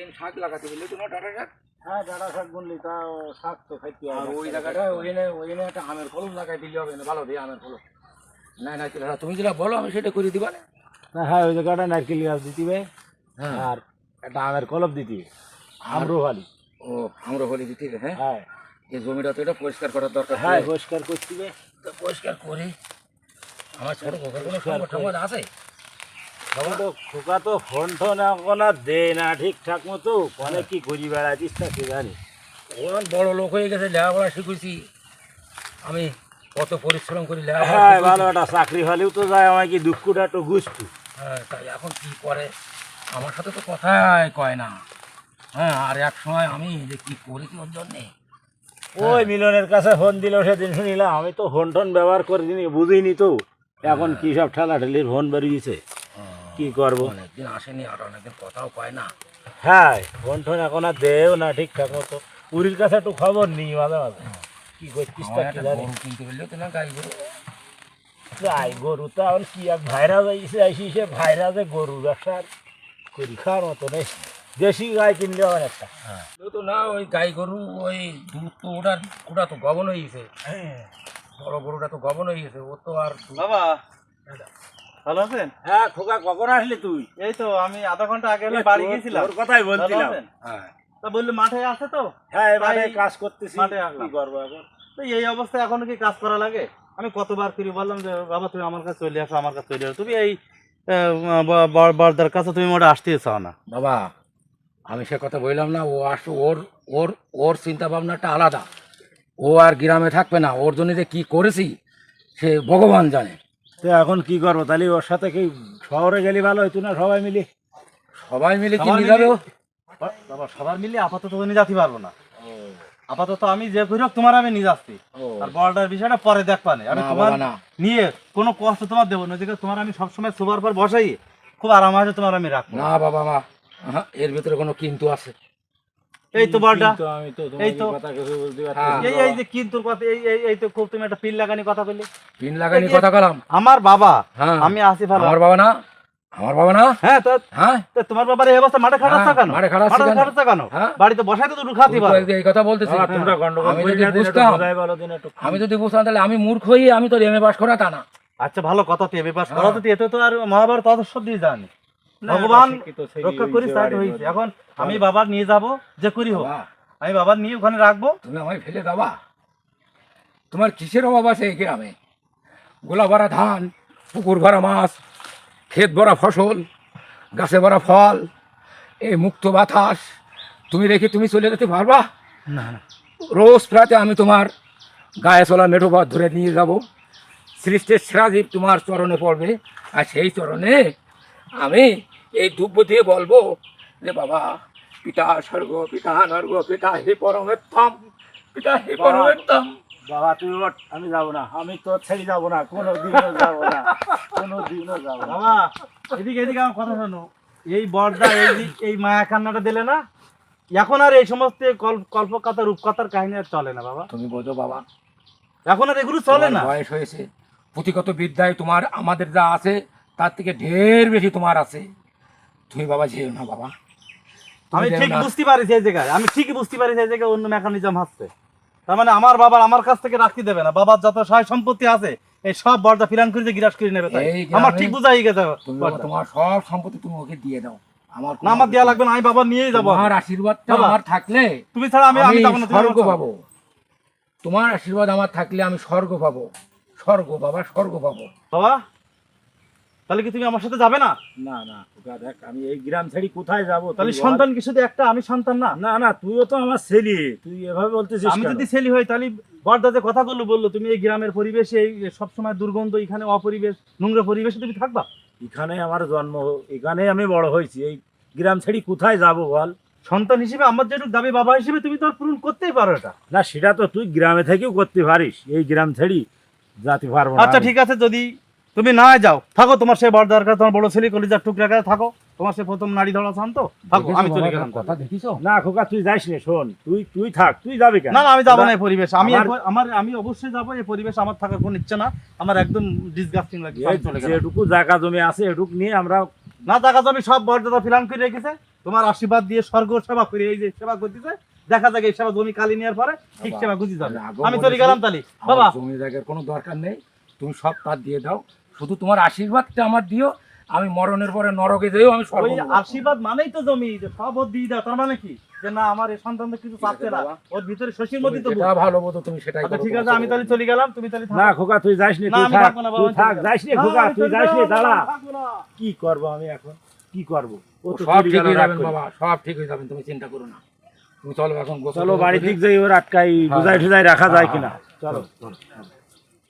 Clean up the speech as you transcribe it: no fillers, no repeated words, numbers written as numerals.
প্রতিদিন শাক লাগাতে বললি তোমার ডাঁটা শাক। হ্যাঁ ডাঁটা শাক বললি তা শাক তো খাইতে আর ওই জায়গাটা ওইখানে একটা আমের কলম লাগাই দিলে হবে না, ভালো দিয়ে আমের কলম। না না তুমি যেটা বলো আমি সেটা করে দিবা না। না হ্যাঁ ওই জায়গাটা নারকেল গাছ দিতিবে হ্যাঁ আর একটা আমের কলম দিতিবে আম্রপালি। ও আম্রপালি দিতে হবে। হ্যাঁ হ্যাঁ এই জমিটা তো এটা পরিষ্কার করার দরকার। হ্যাঁ পরিষ্কার করতিবে তো পরিষ্কার করে আমার ছোট খোকার কোনো সংগঠন আছে? তখন তো খোকা তো ফোন টোন এখন আর দে না ঠিকঠাক মতো, অনেক কি ঘুরি বেড়াতিস তা কে জানি। ওর বড় লোক হয়ে গেছে, লেখাপড়া শিখেছি আমি, কত পরিশ্রম করি হ্যাঁ লেখাপড়া। ভালো একটা চাকরি হলেও তো যায় আমার কি দুঃখটা একটু গুছতু। হ্যাঁ তাই এখন কি করে আমার সাথে তো কথাই কয় না। হ্যাঁ আর এক সময় আমি যে কি করেছি ওর জন্যে। ওই মিলনের কাছে ফোন দিল সেদিন শুনিলাম, আমি তো ফোন টোন ব্যবহার করিনি বুঝিনি তো, এখন কি সব ঠেলাঠেলির ফোন বেরিয়েছে কি করবো। অনেকদিন আসেনি আর অনেকদিন কথাও কয় না। হ্যাঁ ফোন টোন এখন আর দেও না ঠিকঠাক মতো, পুরীর কাছে একটু খবর নিই মাঝে মাঝে কি করছিস তা কি জানি। গরু কিনতে পারলেও তো না, গাই গরু। গাই গরু তো এখন কি এক ভাইরা যাইছে আইসি সে ভাইরা যে গরু ব্যবসার করি খাওয়ার মতো নেই, দেশি গাই কিনলে হবে একটা। হ্যাঁ তো না ওই গাই গরু ওই দুধ তো ওটা তো গবন হয়ে গেছে। বড় গরুটা তো গবন হয়ে গেছে, ও তো আর বাবা ভালো আছেন? হ্যাঁ খোকা কখন আসলি তুই? এই তো আমি আধা ঘন্টা আগে হলো বাড়ি গিয়েছিলাম। তোর কথাই ভালো বলছিলাম। আছেন? হ্যাঁ তা বললি মাঠে আছে তো, হ্যাঁ এবারে তাই কাজ করতেছি, মাঠে আসলাম। কি করবো এখন। তো এই অবস্থায় এখনো কি কাজ করা লাগে? আমি কতবার ফিরে বললাম যে বাবা তুমি আমার কাছে চলে আসো, আমার কাছে চলে আসো, তুমি এই বর্দার কাছে তুমি মোটা আসতেই চাও না। বাবা আমি সে কথা বললাম না, ও আসো ওর ওর ওর চিন্তা ভাবনাটা আলাদা। ও আর গ্রামে থাকবে না, ওর জন্য যে কী করেছি সে ভগবান জানে। তো এখন কি করবো তাহলে, ওর সাথে কি শহরে গেলে ভালো হইতো না সবাই মিলে? সবাই মিলে কি সবাই নিয়ে যাবে ও? বাবা সবার মিলে আপাতত নিয়ে যেতে পারবো না, আপাতত আমি যে করি হোক তোমার আমি নিয়ে যাচ্ছি। আর বড়টার বিষয়টা পরে দেখবা না, আমি না তোমার বাবা, না। নিয়ে কোনো কষ্ট তোমার দেবো না, যেটা তোমার আমি সবসময় শোবার পর বসাই খুব আরাম আছে তোমার আমি রাখবো। না বাবা মা, এর ভিতরে কোনো কিন্তু আছে। এই তো বড়টা কিন্তু আমি তো এই তো তোমার কথা কিছু বলতে হ্যাঁ। পারছি এই এই যে কিন্তু কথা এই তো খুব তুমি একটা পিল লাগানি কথা বললে। পিন লাগানি কথা কলাম। আমার বাবা হ্যাঁ আমি আসি ভালো। আমার বাবা না, আমার বাবা না। হ্যাঁ তো হ্যাঁ তো তোমার বাবার এই অবস্থা মাঠে খাটাচ্ছ হ্যাঁ, কেন? মাঠে খাটাচ্ছি কেন? কেন? হ্যাঁ। বাড়িতে বসাই তো দুটো খাতি তুমি তো পারো। এই কথা বলতেছি। বাবা, তোমরা গন্ডগোল আমি করি যদি না, দিন একটু বুঝতাম, বোঝাই বলো, দিন একটু। আমি যদি বুঝতাম তাহলে আমি মূর্খ হই আমি তো এমএ পাস করা তা না। আচ্ছা ভালো কথা, তুই এমএ পাস হ্যাঁ। করা তো এতে তো আর মহাভারত অদর্শ দিয়ে জানি না, ভগবান একটা শিক্ষিত ছেলে রক্ষা করি হয়েছে তাই বাড়ির হয়েছে। মধ্যে। এখন আমি বাবার নিয়ে যাব যে করি হোক, বাবা, আমি বাবার নিয়ে ওখানে রাখবো। তুমি আমায় ফেলে দেবা? তোমার কিসের অভাব আছে এই গ্রামে? গোলা ভরা ধান, পুকুর ভরা মাছ, ক্ষেত ভরা ফসল, গাছে ভরা ফল, এই মুক্ত বাতাস তুমি রেখে তুমি চলে যেতে পারবা? না না রোজ প্রাতে আমি তোমার গায়ে চলা মেঠো পথ ধরে নিয়ে যাব, সৃষ্টির সেরাজীব তোমার চরণে পড়বে, আর সেই চরণে আমি এই দুব্য দিয়ে বলবো যে বাবা পিতা স্বর্গ পিতা নর্গ পিতা হে পরমেত্তম, পিতা হে পরমেত্তম। বাবা তুই ওঠ, আমি যাবো না, আমি তো ছেড়ে যাবো না, কোনোদিনও যাবো না, কোনোদিনও যাবো না। বাবা এদিকে এদিকে আমার কথা শোনো, এই বর্দা এই মায়া কান্নাটা দিলে না, এখন আর এই সমস্ত কল্পকথা রূপকথার কাহিনী আর চলে না বাবা, তুমি বোঝো বাবা, এখন আর এগুলো চলে না। তোমার বয়স হয়েছে, পুঁথিগত বিদ্যায় তোমার আমাদের যা আছে তার থেকে ঢের বেশি তোমার আছে। তুমি বাবা যেও না বাবা, তুমি আমি যেও ঠিক না। বুঝতে পারি সেই জায়গায়, আমি ঠিকই বুঝতে পারি সেই জায়গায় অন্য মেকানিজম হচ্ছে। তার মানে আমার বাবার আমার কাছ থেকে রাখতে দেবে না, বাবার যত সহায় সম্পত্তি আছে এই সব বর্দা ফিরান করে যে গিরাস করে নেবে, তাই এই গ্রামে আমার ঠিক বুঝাই গেছে তুমি বাবা বর্দা। তোমার সব সম্পত্তি তুমি ওকে দিয়ে দাও। আমার না আমার দেওয়া লাগবে না, আমি বাবা নিয়েই যাবো। তোমার আশীর্বাদটা বাবা, আমার থাকলে তুমি ছাড়া আমি আমি যাবো না, তুমি স্বর্গ আমার পাবো। তোমার আশীর্বাদ আমার থাকলে আমি স্বর্গ পাবো, স্বর্গ বাবা স্বর্গ পাবো। বাবা তাহলে কি তুমি আমার সাথে যাবে না? না না খোকা, দেখ আমি এই গ্রাম ছেড়ে কোথায় যাবো? তাহলে তুই বল। সন্তান কি শুধু একটা, আমি সন্তান না? না না তুইও তো আমার ছেলে, তুই এভাবে বলতেছিস আমি কেন? যদি ছেলে হই তাহলে বর্দা যে কথাগুলো বললো, তুমি এই গ্রামের পরিবেশে এই সবসময় দুর্গন্ধ, এখানে অপরিবেশ নোংরা পরিবেশে তুমি থাকবা? এখানে আমার জন্ম, এখানে আমি বড় হয়েছি, এই গ্রাম ছেড়ে কোথায় যাবো বল? সন্তান হিসেবে আমার যেটুকু দাবি বাবা হিসেবে তুমি তো আর পূরণ করতেই পারো এটা। না সেটা তো তুই গ্রামে থেকেও করতে পারিস, এই গ্রাম ছেড়ে যেতে পারবো না আচ্ছা আমি। ঠিক আছে, যদি তুমি না যাও থাকো, তোমার সেই বর্দার কাছে, তোমার বড় ছেলে কলিজার টুকরা কাছে থাকো, তোমার সে প্রথম নারী ধরা শান্ত থাকো, আমি চলে গেলাম। কথা দেখিছো? না খোকা তুই যাইস নে, শোন তুই থাক, তুই যাবি কেন? না না আমি যাবো না এই পরিবেশ, আমার- আমি অবশ্যই যাবো এই পরিবেশ, আমার থাকার কোনো ইচ্ছে না, আমার একদম ডিসগাস্টিং লাগে, এই আমি চলে গেলাম। যেটুকু জায়গা জমি আছে এটুকু নিয়ে আমরা না জায়গা জমি সব বর্দাদা ফিলাম করে রেখেছে, তোমার আশীর্বাদ দিয়ে স্বর্গ সেবা করে এই যে সেবা করতেছে, দেখা যাক এই সেবা জমি কালি নেওয়ার পরে ঠিক সেবা গুজি যাবে। আমি চলে গেলাম তালি বাবা। জমি জায়গার কোনো দরকার নেই, তুমি সব তার দিয়ে দাও, শুধু তোমার আশীর্বাদটা আমার দিও। আমি মরণের পরে নরকে যেও, আমি স্বর্গ ওই পাবো। আশীর্বাদ মানেই তো জমি, যে সব ওর দিয়ে দাও, তার মানে কি যে না আমার এই সন্তানদের কিছু চাচ্ছে না, ওর ভিতরে শশীর মধ্যে তো যেটা ভালো বোধ তুমি সেটাই আচ্ছা করো, ঠিক তোমার আছে, আমি তাহলে চলে গেলাম, তুমি তাহলে না খোকা তুই যাস নি, না, তুই আমি থাক, থাকবো না বাবা, তুই থাক, আমি যাস নি না, খোকা, আমি তুই চলে যাস নি, যাবো, দাঁড়া। আমি থাকবো না। কি করব আমি এখন, কি করব? ও তো সব চলে ঠিক গেল হয়ে রাগ যাবেন করে। বাবা, সব ঠিক হয়ে যাবেন, তুমি চিন্তা করো না। তুমি চলো এখন গোসল চলো টোসল বাড়ির করে। দিক যাই, ওর আটকাই বুঝাই টুজাই রাখা যায় কিনা। চলো চলো।